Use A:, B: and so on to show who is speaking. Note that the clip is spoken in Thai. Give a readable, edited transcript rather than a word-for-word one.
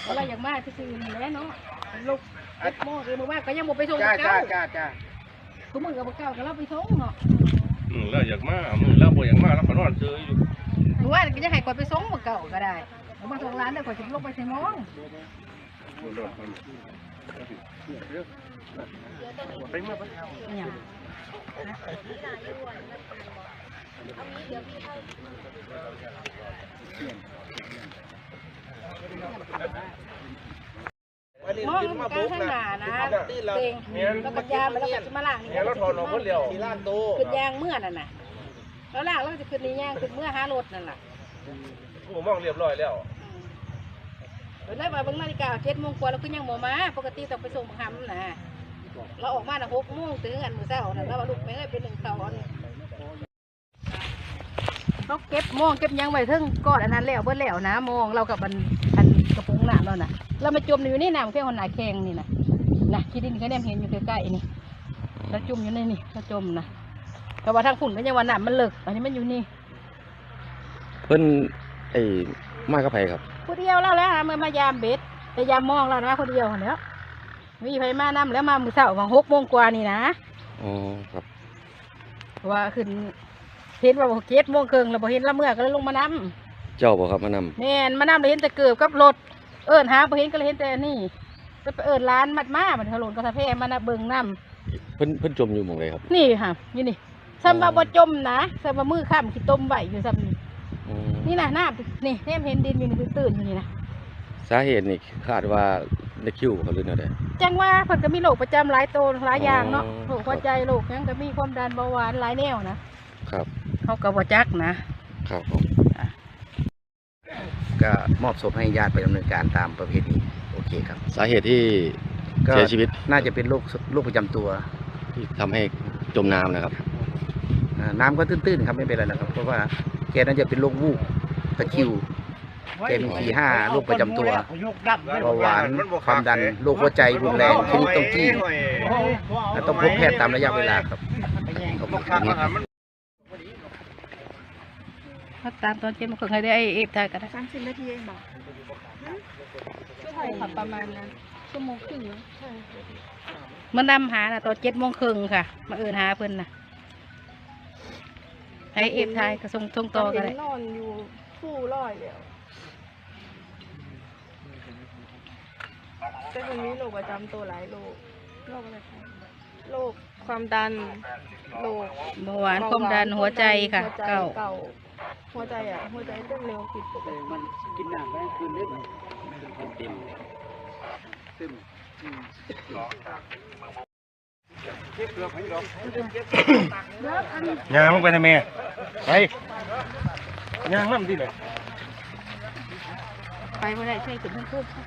A: อะไรอย่างมากที่ซื้อนี่แหละเนาะลูกเอ็ดโม่คือมือมากก็ยังบ่ไปส่ง
B: จ้า
A: เก้า
B: จ้า
A: คือมือกับเก้าก็เราไปส่งเนาะ
C: แล้วอยากมาแล้วบ่อยากมาแล้วขอนอนเจออยู่
A: หรือว่าก็จะให้ก่อนไปส่งมือเก้าก็ได้เอามาส่งร้านได้ก่อนจะลงไปใส่มองเนี่ย มองมันก็ข้างหน้านะเต็งแล้วก็ยามแล้วก็มาล่างนี่แล้วถอนออกหมดแล้วที่ล้านโตขึ้นยางเมื่อนั่นน่ะแล้วล่างแล้วจะขึ้นนี่ยางขึ้นเมื่อหารถนั่นแหละ
C: ผมมองเรียบร้อยแล้ว
A: แล้วมาเบิ่งนาฬิกา7 โมงกว่าแล้วก็ยังบ่มาปกติต้องไปส่งหำนะเราออกมา6 โมงถึงกันมื้อเช้านั่นแล้วลูกแม่เอ้ยเป็น1 ตอนเขาเก็บมองเก็บยังไว้ถึงก้อนอันนั้นแล้วเบิดแล้วนะมองเรากับอันกระปุกน้ำแล้วน่ะเรามาจมอยู่นี่น้ำแค่คนหนาแข็งนี่นะที่ดินเขาเนี่ยเห็นอยู่ใกล้ๆนี่เราจมอยู่ในนี่เราจมนะแต่ว่าทางฝุ่นก็ยังว่าน้ำมันเลิกอันนี้มันอยู่นี่
D: เพิ่นมากับไผครับ
A: คนเดียวเราแล้วมันพยายามเบ็ดพยายามมองเรานะคนเดียวแล้วมีไฟมาน้ำแล้วมามือเช้าของ6 โมงกว่านี่นะ
D: อ๋อครับ
A: ว่าขึ้นเห็นว่า7 โมงครึ่งเราพอเห็นละเมื่อก็เลยลงมาน้
D: ำเจ้าบอกครับมาน
A: ำแม่นมาน้ำเราเห็นแต่เกือบกับรถหาพอเห็นก็เลยเห็นแต่นี่ไปร้านมัดมามันถล่นกระทะเพมานะเบิ่งน้
D: ำเพิ่นจมอยู่หม่องใดครับ
A: นี่ค่ะนี่ซ้ำว่าบ่จมนะซ้ำว่ามือข้ามขี้ต้มไหวอยู่ซ้ำนี่นะน้ำนี่เห็นดินอยู่นี่ตื่นอยู่นี่นะ
D: สาเหตุนี่คาดว่าในคิวเขาหรืออะไร
A: จังว่าเพิ่นก็มีโรคประจำหลายตัวหลายอย่างเนาะโรคหัวใจโรคยังก็มีความดันเบาหวานหลายแนวนะครับเขาก็บ่จักนะครับ
B: ก็มอบศพให้ญาติไปดำเนินการตามประเพณีโอเคครับ
D: สาเหตุที่เสียชีวิต
B: น่าจะเป็นโรคประจำตัว
D: ที่ทำให้จมน้ำนะครับ
B: น้ำก็ตื้นๆครับไม่เป็นไรนะครับเพราะว่าแกน่าจะเป็นโรควูบตะคริวแกมี4-5โรคประจำตัวเบาหวานความดันโรคหัวใจรุนแรงชนิดต้องจี้ต้องพบแพทย์ตามระยะเวลาครับ
A: ตามตอน7 โมงครึ่งให้ได้เอฟถ่ายกันได้30 นาทีเองบอกใช่ค่ะประมาณนั้น1 โมงครึ่งใช่มันนำหาตอน7 โมงครึ่งค่ะมาหาเพิ่นให้เอฟถ่ายกระทรงต่อกันเลย
E: นอนอยู่ฟู่ร้อยแล้วแต่คนนี้โรคประจำตัวหลายโรคอะไรคะโรคความดันโรค
A: เบาหวานความดันหัวใจค่ะเก่า
E: หัวใจเต้นเร็วผิดปกติ
B: มันกินน้ำไปคืนเล็กเต็ม
C: ยางลงไปทำไมไปยางน้ำที่ไหน
A: ไปไม่ได้ใช่ถึงพูด